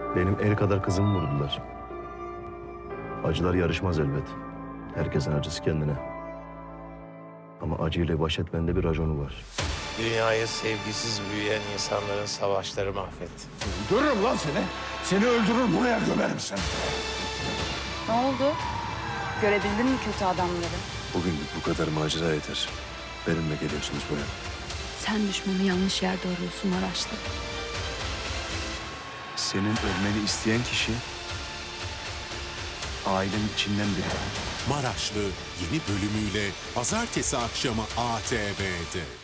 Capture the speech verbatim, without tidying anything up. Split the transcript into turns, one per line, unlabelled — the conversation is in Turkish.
Benim el kadar kızımı vurdular. Acılar yarışmaz elbet. Herkesin acısı kendine. Ama acıyla baş etmenin de bir raconu var.
Dünyayı sevgisiz büyüyen insanların savaşları mahvetti.
Öldürürüm lan seni. Seni öldürür buraya gömerim seni.
Ne oldu? Görebildin mi kötü adamları?
Bugünlük bu kadar macera yeter. Benimle geliyorsunuz buraya.
Sen düşmanı yanlış yerde arıyorsun Maraşlı.
Senin ölmeni isteyen kişi ailenin içinden biri.
Maraşlı yeni bölümüyle pazartesi akşamı A T V'de.